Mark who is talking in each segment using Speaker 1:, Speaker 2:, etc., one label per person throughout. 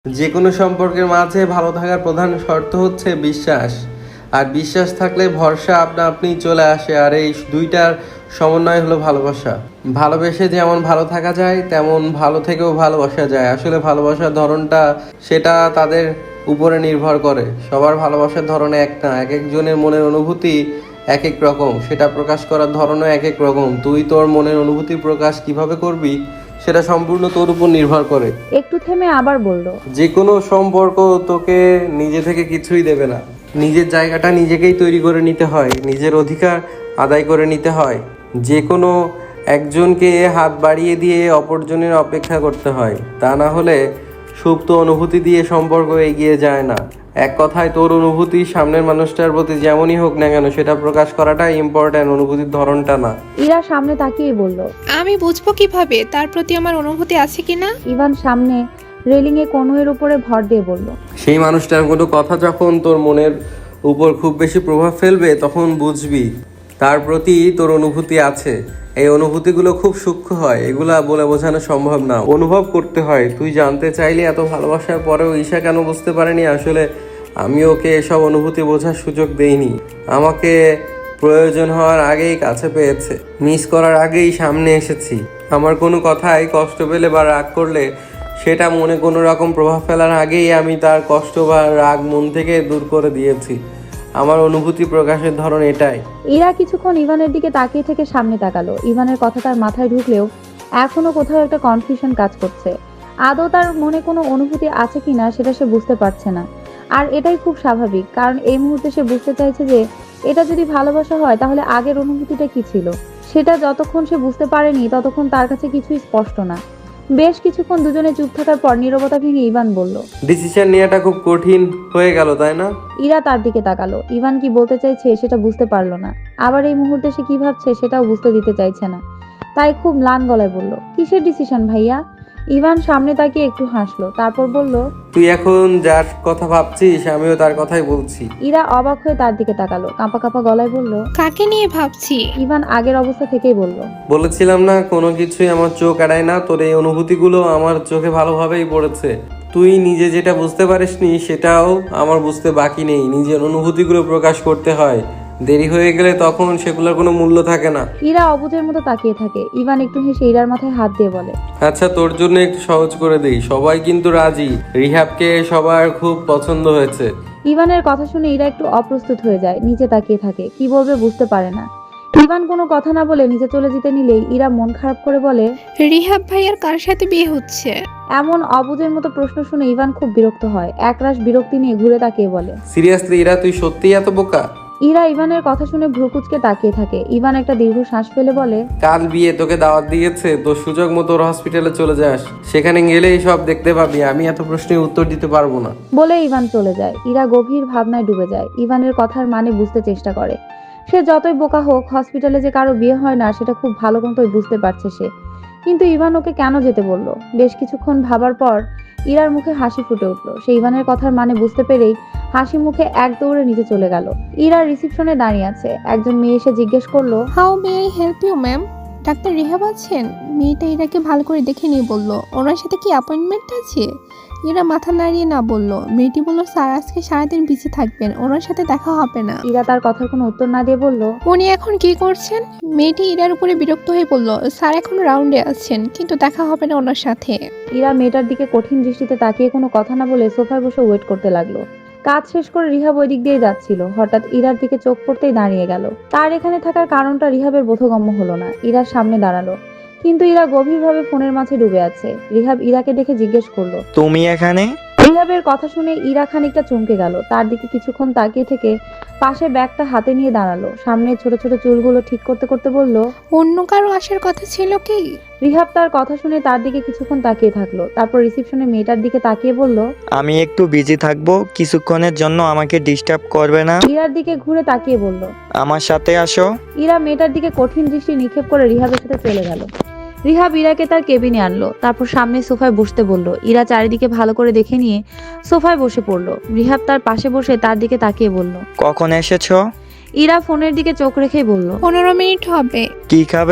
Speaker 1: যে কোনো সম্পর্কের মাঝে ভালো থাকার প্রধান শর্ত হচ্ছে বিশ্বাস। আর বিশ্বাস থাকলে ভরসা আপনা আপনি চলে আসে। আর এই দুইটার সমন্বয় হলো ভালোবাসা। ভালোবেসে যেমন ভালো থাকা যায় তেমন ভালো থেকেও ভালোবাসা যায়। আসলে ভালোবাসার ধরনটা সেটা তাদের উপরে নির্ভর করে। সবার ভালোবাসার ধরন এক না, এক একজনের মনের অনুভূতি এক এক রকম, সেটা প্রকাশ করার ধরনও এক এক রকম। তুই তোর মনের অনুভূতি প্রকাশ কিভাবে করবি সেটা সম্পূর্ণ তোর উপর নির্ভর করে।
Speaker 2: একটু থেমে আবার বলল,
Speaker 1: যে কোনো সম্পর্ক তোকে নিজে থেকে কিছুই দেবে না। নিজের জায়গাটা নিজেকেই তৈরি করে নিতে হয়, নিজের অধিকার আদায় করে নিতে হয়। যে কোনো একজনকে হাত বাড়িয়ে দিয়ে অপরজনের অপেক্ষা করতে হয়, তা না হলে সুপ্ত অনুভূতি দিয়ে সম্পর্ক এগিয়ে যায় না। এক কথায় তোর অনুভূতি সামনের মানুষটার প্রতি যেমনই হোক না কেন সেটা প্রকাশ করাটাই ইম্পর্ট্যান্ট, অনুভূতির ধরনটা না।
Speaker 2: ইরা সামনে তাকিয়ে বলল।
Speaker 3: আমি বুঝবো কিভাবে তার প্রতি আমার অনুভূতি আছে কিনা?
Speaker 2: ইভান সামনে রেলিংয়ে কনুয়ের উপরে ভর দিয়ে বলল,
Speaker 1: সেই মানুষটার কোনো কথা যখন তোর মনের উপর খুব বেশি প্রভাব ফেলবে তখন বুঝবি তার প্রতি তোর অনুভূতি আছে। এই অনুভূতিগুলো খুব সূক্ষ্ম হয়, এগুলা বলে বোঝানো সম্ভব না, অনুভব করতে হয়। তুই জানতে চাইলে এত ভালোবাসার পরেও ঈশা কেন বুঝতে পারেনি? আসলে আমি ওকে এসব অনুভূতি বোঝার সুযোগ দেইনি। আমাকে প্রয়োজন হওয়ার আগেই কাছে পেয়েছে, মিস করার আগেই সামনে এসেছি। আমার কোনো কথায় কষ্ট পেলে বা রাগ করলে সেটা মনে কোনো রকম প্রভাব ফেলার আগেই আমি তার কষ্ট বা রাগ মন থেকে দূর করে দিয়েছি। আমার অনুভূতি প্রকাশের ধরন এটাই।
Speaker 2: ইরা কিছুক্ষণ ইভানের দিকে তাকিয়ে থেকে সামনে তাকালো। ইভানের কথা তার মাথায় ঢুকলেও এখনো কোথাও একটা কনফিউশন কাজ করছে। আদৌ তার মনে কোনো অনুভূতি আছে কিনা সেটা সে বুঝতে পারছে না। আর এটাই খুব স্বাভাবিক, কারণ এই মুহূর্তে সে বুঝতে চাইছে যে এটা যদি ভালোবাসা হয় তাহলে আগের অনুভূতিটা কি ছিল সেটা যতক্ষণ সে বুঝতে পারেনি ততক্ষণ তার কাছে কিছুই স্পষ্ট না। বেশ কিছুক্ষণ দুজনে চুপ থাকার পর নীরবতা ভেঙে ইভান বলল,
Speaker 1: ডিসিশন নেওয়াটা খুব কঠিন হয়ে গেল, তাই না?
Speaker 2: ইরা তার দিকে তাকালো। ইভান কি বলতে চাইছে সেটা বুঝতে পারলো না, আবার এই মুহূর্তে সে কি ভাবছে সেটাও বুঝতে দিতে চাইছে না। তাই খুব ম্লান গলায় বলল, কিসের ডিসিশন ভাইয়া? ইভান সামনে তাকিয়ে একটু হাসলো, তারপর বলল,
Speaker 1: তুই এখন যার কথা ভাবছিস আমিও তার কথাই বলছি।
Speaker 2: ইরা অবাক হয়ে তার দিকে তাকালো, কাঁপা কাঁপা গলায় বলল।
Speaker 3: কাকে নিয়ে ভাবছি?
Speaker 2: ইভান আগের অবস্থা থেকেই বলল,
Speaker 1: বলেছিলাম না কোনো কিছুই আমার চোখ এড়ায় না। তোর এই অনুভূতিগুলো আমার চোখে ভালোভাবেই পড়েছে। তুই নিজে যেটা বুঝতে পারিসনি সেটাও আমার বুঝতে বাকি নেই। নিজের অনুভূতিগুলো প্রকাশ করতে হয়, দেরি হয়ে গেলে তখন সেগুলোর কোনো মূল্য থাকে না।
Speaker 2: ইরা অবুঝের মতো তাকিয়ে থাকে। ইভান একটু হেসে ইরার মাথায় হাত দিয়ে বলে,
Speaker 1: আচ্ছা, তোর জন্য একটু সহজ করে দেই। সবাই কিন্তু রাজি, রিহাবকে সবার খুব পছন্দ হয়েছে।
Speaker 2: ইভানের কথা শুনে ইরা একটু অপ্রস্তুত হয়ে যায়, নিচে তাকিয়ে থাকে, কি বলবে বুঝতে পারে না। ইভান কোনো কথা না বলে নিচে চলে যেতে নিলেই ইরা মন খারাপ করে বলে,
Speaker 3: রিহাব ভাইয়ার কার সাথে বিয়ে হচ্ছে?
Speaker 2: এমন অবুঝের মতো প্রশ্ন শুনে ইভান খুব বিরক্ত হয়। একরাশ বিরক্তি নিয়ে ঘুরে তাকিয়ে বলে,
Speaker 1: সিরিয়াসলি ইরা, তুই সত্যিই এত বোকা?
Speaker 2: ইরা ইভানের কথা শুনে ভ্রুকুচকে তাকিয়ে থাকে। ইভান একটা দীর্ঘ শ্বাস ফেলে বলে,
Speaker 1: কাল বিয়ে, তোকে দাওয়াত দিয়েছে, তোর সুযোগ মতো ওর হসপিটালে চলে যাস, সেখানে গেলেই সব দেখতে পাবি। আমি এত প্রশ্নের উত্তর দিতে পারবো না।
Speaker 2: বলে ইভান চলে যায়। ইরা গভীর ভাবনায় ডুবে যায়। ইভানের কথার মানে বুঝতে চেষ্টা করে। সে যতই বোকা হোক, হসপিটালে যে কারো বিয়ে হয় না সেটা খুব ভালো মতোই বুঝতে পারছে সে। কিন্তু ইভান ওকে কেন যেতে বললো? বেশ কিছুক্ষণ ভাবার পর ইরার মুখে হাসি ফুটে উঠলো। সে ইভানের কথার মানে বুঝতে পেরেই হাসি মুখে এক দৌড়ে নিচে চলে গেল। ইরা রিসিপশনে দাঁড়িয়ে আছে। একজন মেয়ে এসে জিজ্ঞেস করলো,
Speaker 3: how may I help you ma'am? Doctor Rihab আছেন? মেয়েটা ইরাকে ভালো করে দেখে নিয়ে বলল, ওনার সাথে কি অ্যাপয়েন্টমেন্ট আছে? ইরা মাথা নাড়িয়ে না বলল। মেয়েটি বলল, স্যার আজকে সারাদিন বিজি থাকবেন, ওনার সাথে দেখা হবে না।
Speaker 2: ইরা তার কথার কোনো উত্তর না দিয়ে বলল,
Speaker 3: উনি এখন কি করছেন? মেয়েটি ইরার উপরে বিরক্ত হয়ে বলল, স্যার এখন রাউন্ডে আছেন, কিন্তু দেখা হবে না ওনার সাথে।
Speaker 2: ইরা মেয়েটার দিকে কঠিন দৃষ্টিতে তাকিয়ে কোনো কথা না বলে সোফায় বসে ওয়েট করতে লাগলো। কাজ শেষ করে রিহাব ওই দিক দিয়ে যাচ্ছিল। হঠাৎ ইরার দিকে চোখ পড়তেই দাঁড়িয়ে গেল। তার এখানে থাকার কারণটা রিহাবের বোধগম্য হলো না। ইরার সামনে দাঁড়ালো, কিন্তু ইরা গভীরভাবে ফোনের মাঝে ডুবে আছে। রিহাব ইরাকে দেখে জিজ্ঞেস করলো,
Speaker 4: তুমি এখানে?
Speaker 2: রিহাবের কথা শুনে ইরা খানিকটা চমকে গেল। তার দিকে কিছুক্ষণ তাকিয়ে থেকে পাশে ব্যাগটা হাতে নিয়ে দাঁড়ালো। সামনে ছোট ছোট চুলগুলো ঠিক করতে করতে বলল,
Speaker 3: অন্য কারো আসার কথা ছিল কি?
Speaker 2: রিহাব তার কথা শুনে তার দিকে কিছুক্ষণ তাকিয়ে থাকলো। তারপর রিসিপশনে মেয়েটার দিকে তাকিয়ে বলল,
Speaker 4: আমি একটু বিজি থাকবো, কিছুক্ষণের জন্য আমাকে ডিস্টার্ব করবে না।
Speaker 2: ইরার দিকে ঘুরে তাকিয়ে বলল,
Speaker 4: আমার সাথে আসো।
Speaker 2: ইরা মেয়েটার দিকে কঠিন দৃষ্টি নিক্ষেপ করে রিহাবের সাথে চলে গেল। রিহাব ইরাকে তার কেবিনে আনলো, তারপর সামনে সোফায় বসতে বলল। ইরা চারিদিকে ভালো করে দেখে নিয়ে সোফায় বসে পড়লো। রিহাব তার পাশে বসে তার দিকে তাকিয়ে বলল,
Speaker 4: কখন এসেছো?
Speaker 2: ইরা ফোনের দিকে চোখ রেখেই বলল,
Speaker 3: 15 মিনিট হবে।
Speaker 4: কি খাবে?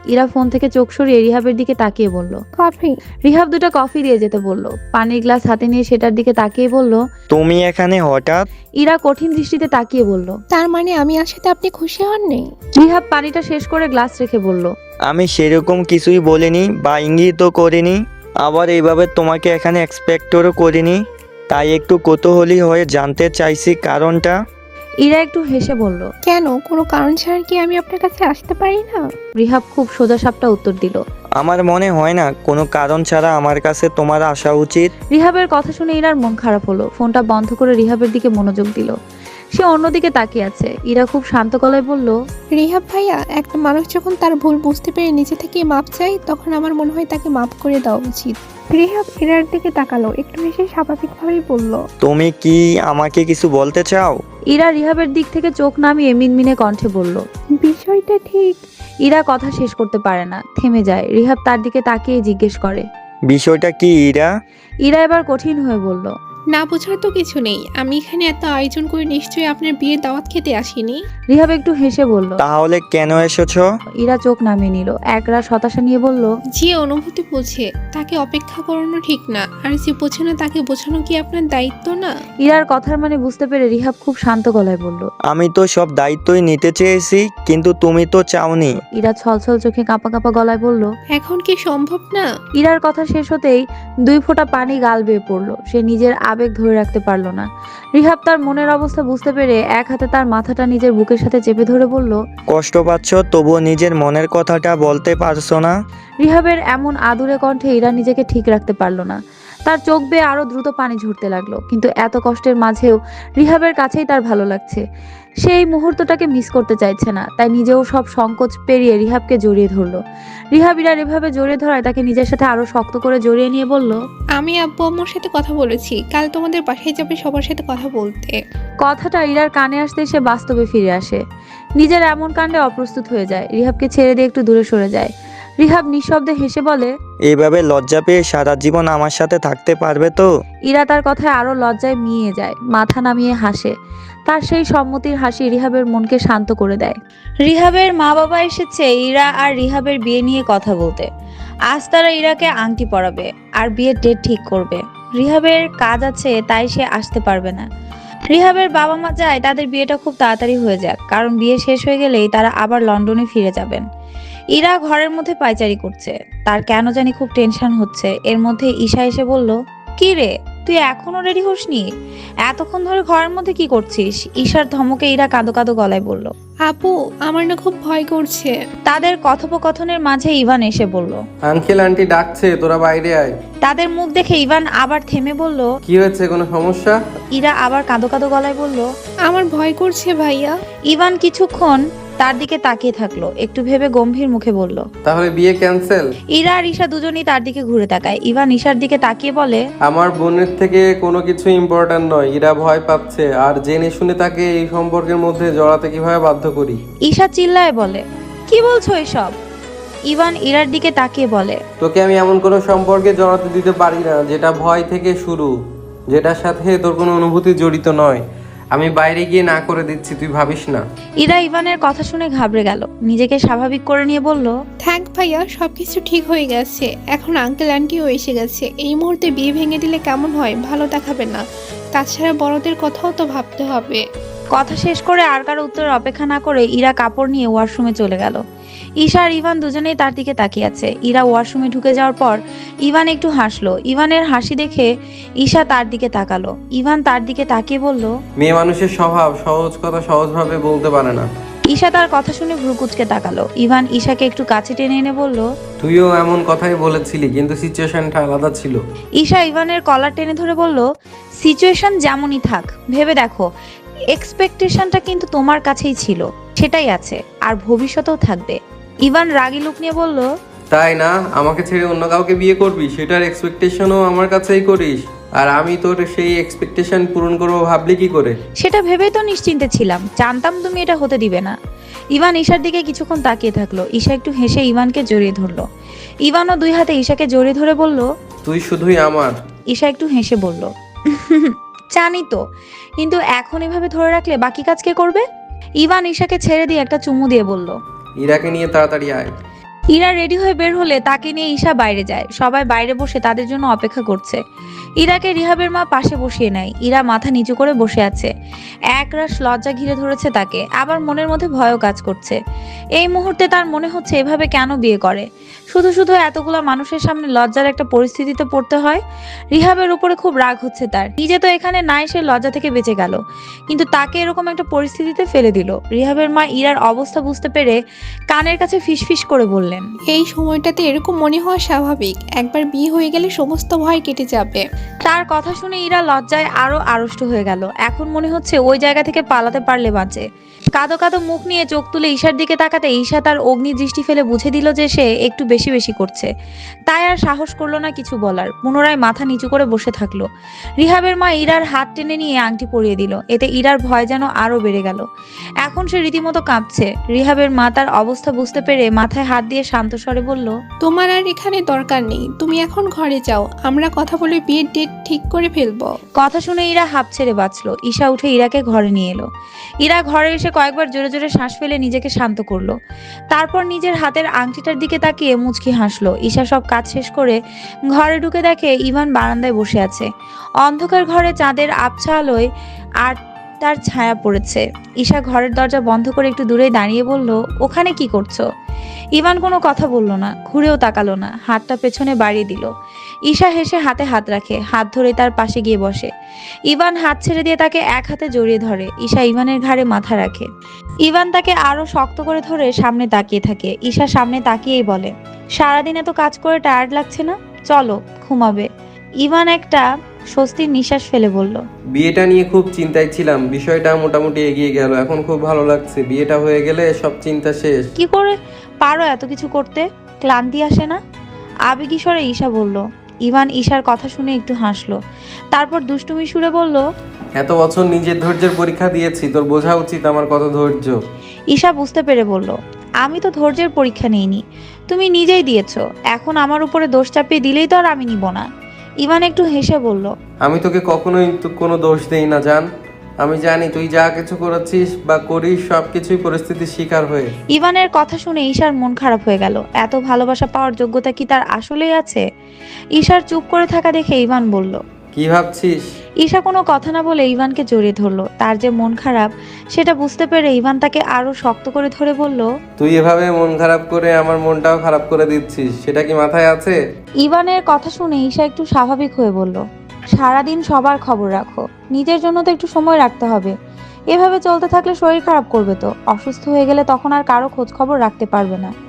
Speaker 2: ইরা ফোন থেকে চোখ সরিয়ে রিহাবের দিকে তাকিয়ে বলল।
Speaker 3: কফি।
Speaker 2: রিহাব দুটো কফি দিয়ে যেতে বলল। পানির গ্লাস হাতে নিয়ে সেটার দিকে তাকিয়ে বলল।
Speaker 4: তুমি এখানে হঠাৎ?
Speaker 2: ইরা কঠিন দৃষ্টিতে তাকিয়ে বলল।
Speaker 3: তার মানে আমি আসাতে আপনি খুশি হননি?
Speaker 2: রিহাব পানিটা শেষ করে গ্লাস রেখে বলল।
Speaker 4: আমি সেরকম কিছুই বলিনি বা ইঙ্গিতও করিনি, আবার এইভাবে তোমাকে এখানে এক্সপেক্টও করিনি, তাই একটু কৌতূহলী হয়ে জানতে চাইছি কারণটা।
Speaker 2: ইরা একটু হেসে বলল।
Speaker 3: কেন, কোনো কারণ ছাড়া কি আমি আপনার কাছে আসতে পারি না?
Speaker 2: রিহাব খুব সোজাসাপটা উত্তর দিল।
Speaker 4: আমার মনে হয় না কোনো কারণ ছাড়া আমার কাছে তোমার আসা উচিত।
Speaker 2: রিহাবের কথা শুনে ইরার মন খারাপ হলো। ফোনটা বন্ধ করে রিহাবের দিকে মনোযোগ দিল। সে অন্যদিকে তাকিয়ে আছে। ইরা খুব শান্ত গলায় বলল।
Speaker 3: রিহাব ভাইয়া, একটা মানুষ যখন তার ভুল বুঝতে পেরে নিজে থেকে মাপ চায়, তখন আমার মনে হয় তাকে মাপ করে দেওয়া উচিত। রিহাব ইরার দিকে তাকালো, একটু হেসে স্বাভাবিকভাবেই বলল।
Speaker 4: তুমি কি আমাকে কিছু বলতে চাও?
Speaker 2: ইরা রিহাবের দিক থেকে চোখ নামিয়ে মিনমিনে কণ্ঠে বলল।
Speaker 3: বিষয়টা ঠিক।
Speaker 2: ইরা কথা শেষ করতে পারে না, থেমে যায়। রিহাব তার দিকে তাকিয়ে জিজ্ঞেস করে।
Speaker 4: বিষয়টা কি ইরা?
Speaker 2: ইরা এবার কঠিন হয়ে বলল।
Speaker 3: না বোঝার তো কিছু নেই, আমি এখানে এত আয়োজন করে নিশ্চয়ই আপনার বিয়ের দাওয়াত খেতে আসিনি।
Speaker 2: রিহাব একটু হেসে বলল।
Speaker 4: তাহলে কেন এসেছো?
Speaker 2: ইরা চোখ নামিয়ে নিল। একরাশ হতাশা নিয়ে বলল।
Speaker 3: যে অনুভূতি বোঝে তাকে অপেক্ষা করানো ঠিক না, আর যে বোঝে না তাকে বোঝানো কি আপনার দায়িত্ব না?
Speaker 2: ইরার কথার মানে বুঝতে পেরে রিহাব খুব শান্ত গলায় বলল।
Speaker 4: আমি তো সব দায়িত্বই নিতে চেয়েছি, কিন্তু তুমি তো চাওনি।
Speaker 2: ইরা ছলছল চোখে কাঁপা কাঁপা গলায় বলল।
Speaker 3: এখন কি সম্ভব না?
Speaker 2: ইরার কথা শেষ হতেই 2 ফোঁটা পানি গাল বেয়ে পড়ল। সে নিজের আবেগ ধরে রাখতে পারল না। রিহাব তার মনের অবস্থা বুঝতে পেরে এক হাতে তার মাথাটা নিজের বুকের সাথে চেপে ধরে বলল।
Speaker 4: কষ্ট পাচ্ছ, তবুও নিজের মনের কথাটা বলতে পারছো না?
Speaker 2: রিহাবের এমন আদুরে কণ্ঠে ইরা নিজেকে ঠিক রাখতে পারল না। তার চোখ বেয়ে আরো দ্রুত পানি ঝরতে লাগলো। কিন্তু এত কষ্টের মাঝেও রিহাবের কাছেই তার ভালো লাগছে। সে এই মুহূর্তটাকে মিস করতে চাইছে না। তাই নিজেও সব সংকোচ পেরিয়ে রিহাবকে জড়িয়ে ধরলো। রিহাব ইরার এভাবে জড়িয়ে ধরায় তাকে নিজের সাথে আরো শক্ত করে জড়িয়ে নিয়ে বলল।
Speaker 3: আমি আব্বু আম্মুর সাথে কথা বলেছি, কাল তোমাদের বাসায় যাবে সবার সাথে কথা বলতে।
Speaker 2: কথাটা ইরার কানে আসতে সে বাস্তবে ফিরে আসে। নিজের এমন কাণ্ডে অপ্রস্তুত হয়ে যায়। রিহাবকে ছেড়ে দিয়ে একটু দূরে সরে যায়। রিহাব নিঃশব্দে হেসে বলে।
Speaker 4: এইভাবে লজ্জা পেয়ে সারা জীবন আমার সাথে থাকতে পারবে তো?
Speaker 2: ইরা তার কথায় আরো লজ্জায় মিয়ে যায়, মাথা নামিয়ে হাসে। তার সেই সম্মতির হাসি রিহাবের মনকে শান্ত করে দেয়। রিহাবের মা বাবা এসেছে ইরা আর রিহাবের বিয়ে নিয়ে কথা বলতে। আজ তারা ইরাকে আংটি পরাবে আর বিয়ের ডেট ঠিক করবে। রিহাবের কাজ আছে, তাই সে আসতে পারবে না। রিহাবের বাবা মা চায় তাদের বিয়েটা খুব তাড়াতাড়ি হয়ে যাক, কারণ বিয়ে শেষ হয়ে গেলেই তারা আবার লন্ডনে ফিরে যাবেন। ইরা ঘরের মধ্যে পায়চারি করছে। তার কেন জানি খুব টেনশন হচ্ছে। এর মধ্যে ঈশা এসে বলল। কি রে, তুই এখনো রেডি হসনি? এতক্ষণ ধরে ঘরের মধ্যে কি করছিস? ঈশার ধমকে ইরা কাঁদো কাঁদো গলায় বলল।
Speaker 3: আপু, আমার না খুব ভয় করছে।
Speaker 2: তাদের কথোপকথনের মাঝে ইভান এসে বলল।
Speaker 1: আঙ্কেল আন্টি ডাকছে, তোরা বাইরে আয়।
Speaker 2: তাদের মুখ দেখে ইভান আবার থেমে বলল।
Speaker 1: কি হয়েছে, কোনো সমস্যা?
Speaker 2: ইরা আবার কাঁদো কাঁদো গলায় বলল।
Speaker 3: আমার ভয় করছে ভাইয়া।
Speaker 2: ইভান কিছুক্ষণ তার দিকে তাকিয়ে থাকলো, একটু ভেবে গম্ভীর মুখে বলল।
Speaker 1: তাহলে বিয়ে ক্যান্সেল?
Speaker 2: ইরা আর ঈশা দুজনেই তার দিকে ঘুরে তাকায়। ইভান ঈশার দিকে তাকিয়ে বলে।
Speaker 1: আমার বোনের থেকে কোনো কিছু ইম্পর্ট্যান্ট নয়। ইরা ভয় পাচ্ছে, আর জেনে শুনে তাকে এই সম্পর্কের মধ্যে জড়াতে কিভাবে বাধ্য করি?
Speaker 2: ঈশা চিল্লায় বলে। কি বলছো এসব? ইভান ইরার দিকে তাকিয়ে বলে।
Speaker 1: তোকে আমি এমন কোনো সম্পর্কে জড়াতে দিতে পারি না যেটা ভয় থেকে শুরু, যেটার সাথে তোর কোনো অনুভূতি জড়িত নয়। আমি বাইরে গিয়ে না করে দিচ্ছি, তুই ভাবিস না।
Speaker 2: ইরা ইভানের কথা শুনে ঘাবড়ে গেল। নিজেকে স্বাভাবিক করে নিয়ে বলল।
Speaker 3: থ্যাংক ভাইয়া, সবকিছু ঠিক হয়ে গেছে। এখন আঙ্কেল আন্টিও এসে গেছে। এই মুহূর্তে বিয়ে ভেঙে দিলে কেমন হয়? ভালো দেখাবে না। তাছাড়া বড়দের কথাও তো ভাবতে হবে।
Speaker 2: কথা শেষ করে আর কারো উত্তরের অপেক্ষা না করে ইরা কাপড় নিয়ে ওয়াশরুমে চলে গেল। ঈশা আর ইভান দুজনেই তার দিকে তাকিয়ে আছে। ইরা ওয়াশরুমে ঢুকে যাওয়ার পর ইভান একটু হাসলো। ইভানের হাসি দেখে ঈশা তার দিকে তাকালো। ইভান তার দিকে তাকিয়ে বলল।
Speaker 1: মেয়ে মানুষের স্বভাব, সহজ কথা সহজভাবে বলতে পারে না।
Speaker 2: ঈশা তার কথা শুনে ভ্রু কুঁচকে তাকালো। ইভান ঈশাকে একটু কাছে টেনে এনে বলল।
Speaker 1: তুইও এমন কথাই বলেছিলি, কিন্তু সিচুয়েশনটা আলাদা ছিল।
Speaker 2: ঈশা ইভানের কলার টেনে ধরে বলল। সিচুয়েশন যেমনই থাক, ভেবে দেখো, এক্সপেকটেশনটা কিন্তু তোমার কাছেই ছিল, সেটাই আছে, আর ভবিষ্যতেও থাকবে। ইভান রাগী লুক নিয়ে বলল।
Speaker 1: তাই না? আমাকে ছেড়ে অন্য কাউকে বিয়ে করবি, সেটার এক্সপেকটেশনও আমার কাছেই করিস, আর আমি তোর সেই এক্সপেকটেশন পূরণ করবো ভাবলি কি করে?
Speaker 2: সেটা ভেবেই তো নিশ্চিন্তে ছিলাম, জানতাম তুমি এটা হতে দিবে না। ইভান ঈশার দিকে কিছুক্ষণ তাকিয়ে থাকলো। ঈশা একটু হেসে ইভানকে জড়িয়ে ধরলো। ইভানও 2 হাতে ঈশাকে জড়িয়ে ধরে বলল।
Speaker 1: তুই শুধুই আমার।
Speaker 2: ঈশা একটু হেসে বলল। জানি তো, কিন্তু এখন এভাবে ধরে রাখলে বাকি কাজ কে করবে? ইভান ঈশাকে ছেড়ে দিয়ে একটা চুমু দিয়ে বলল।
Speaker 1: ইরাকে নিয়ে তাড়াতাড়ি আয়।
Speaker 5: ইরা রেডি হয়ে বের হলে তাকে নিয়ে ঈশা বাইরে যায়। সবাই বাইরে বসে তাদের জন্য অপেক্ষা করছে। ইরাকে রিহাবের মা পাশে বসিয়ে নেয়। ইরা মাথা নিচু করে বসে আছে। একরাশ লজ্জা ঘিরে ধরেছে তাকে, আবার মনের মধ্যে ভয়ও কাজ করছে। এই মুহূর্তে তার মনে হচ্ছে এভাবে কেন বিয়ে করে, শুধু শুধু এতগুলো মানুষের সামনে লজ্জার একটা পরিস্থিতিতে পড়তে হয়। রিহাবের উপরে খুব রাগ হচ্ছে তার, নিজে তো এখানে নাই, সে লজ্জা থেকে বেঁচে গেল, কিন্তু তাকে এরকম একটা পরিস্থিতিতে ফেলে দিল। রিহাবের মা ইরার অবস্থা বুঝতে পেরে কানের কাছে ফিসফিস করে বললেন,
Speaker 3: এই সময়টাতে এরকম মনে হওয়া স্বাভাবিক, একবার বিয়ে হয়ে গেলে সমস্ত ভয় কেটে যাবে।
Speaker 5: তার কথা শুনে ইরা লজ্জায় আরো আড়ষ্ট হয়ে গেল। এখন মনে হচ্ছে ওই জায়গা থেকে পালাতে পারলে বাঁচে। কাদো কাদো মুখ নিয়ে চোখ তুলে ঈশার দিকে তাকাতে ঈশা তার অগ্নি দৃষ্টি ফেলে বুঝে দিল যে সে একটু বেশি বেশি করছে। তাই আর সাহস করলো না কিছু বলার, পুনরায় মাথা নিচু করে বসে থাকলো। রিহাবের মা ইরার হাত টেনে নিয়ে আংটি পরিয়ে দিল। এতে ইরার ভয় যেন আরো বেড়ে গেল। এখন সে রীতিমতো কাঁপছে। রিহাবের মা তার অবস্থা বুঝতে পেরে মাথায় হাত দিয়ে শান্ত স্বরে বলল,
Speaker 3: তোমার আর এখানে দরকার নেই, তুমি এখন ঘরে যাও, আমরা কথা বলে বিয়ের ডেট ঠিক করে ফেলবো।
Speaker 5: কথা শুনে ইরা হাঁপ ছেড়ে বাঁচলো। ঈশা উঠে ইরাকে ঘরে নিয়ে এলো। ইরা ঘরে এসে কয়েকবার জোরে জোরে শ্বাস ফেলে নিজেকে শান্ত করলো। তারপর নিজের হাতের আংটিটার দিকে তাকিয়ে মুচকি হাসলো। ঈশা সব কাজ শেষ করে ঘরে ঢুকে দেখে ইভান বারান্দায় বসে আছে। অন্ধকার ঘরে চাঁদের আবছা আলোয় আর তার ছায়া পড়েছে। ঈশা ঘরের দরজা বন্ধ করে একটু দূরে দাঁড়িয়ে বলল, ওখানে কি করছো? ইভান কোনো কথা বলল না, ঘুরেও তাকালো না, হাতটা পেছনে বাড়িয়ে দিল। ঈশা হেসে হাতে হাত রাখে, হাত ধরে তার পাশে গিয়ে বসে। ইভান হাত ছেড়ে দিয়ে তাকে এক হাতে জড়িয়ে ধরে। ঈশা ইভানের ঘাড়ে মাথা রাখে। ইভান তাকে আরো শক্ত করে ধরে সামনে তাকিয়ে থাকে। ঈশা সামনে তাকিয়েই বলে, সারাদিন এত কাজ করে টায়ার্ড লাগছে না? চলো ঘুমাবে। ইভান একটা স্বস্তির নিঃশ্বাস ফেলে বলল,
Speaker 1: বিয়েটা নিয়ে খুব চিন্তায় ছিলাম, বিষয়টা মোটামুটি এগিয়ে গেল, এখন খুব ভালো লাগছে। বিয়েটা হয়ে গেলে সব চিন্তা শেষ।
Speaker 5: কি করে পারো এত কিছু করতে? ক্লান্তি আসে না? আবেগী স্বরে ঈশা বলল। ইভান ঈশার কথা শুনে একটু হাসলো, তারপর দুষ্টুমি সুরে বলল,
Speaker 1: এত বছর নিজের ধৈর্যের পরীক্ষা দিয়েছি, তোর বোঝা উচিত আমার কত ধৈর্য।
Speaker 5: ঈশা বুঝতে পেরে বলল, আমি তো ধৈর্যের পরীক্ষা নিইনি, তুমি নিজেই দিয়েছো। এখন আমার উপরে দোষ চাপিয়ে দিলেই তো আর আমি নিব না। ইভান একটু হেসে বলল,
Speaker 1: আমি তোকে কখনোই কোনো দোষ দেই না জান। আমি জানি তুই যা কিছু করেছিস বা করিস সবকিছুই পরিস্থিতির শিকার হয়ে।
Speaker 5: ইভানের কথা শুনে ঈশার মন খারাপ হয়ে গেল। এত ভালোবাসা পাওয়ার যোগ্যতা কি তার আসলেই আছে? ঈশার চুপ করে থাকা দেখে ইভান বলল,
Speaker 1: কি ভাবছিস?
Speaker 5: ঈশা কোনো কথা না বলে ইভানকে জড়িয়ে ধরলো। তার যে মন খারাপ সেটা বুঝতে পেরে ইভান তাকে আরো শক্ত করে ধরে বলল,
Speaker 1: তুই এভাবে মন খারাপ করে আমার মনটাও খারাপ করে দিচ্ছিস, সেটা কি মাথায় আছে?
Speaker 5: ইভানের কথা শুনে ঈশা একটু স্বাভাবিক হয়ে বলল, সারাদিন সবার খবর রাখো, নিজের জন্য তো একটু সময় রাখতে হবে। এভাবে চলতে থাকলে শরীর খারাপ করবে তো, অসুস্থ হয়ে গেলে তখন আর কারো খোঁজ খবর রাখতে পারবে না।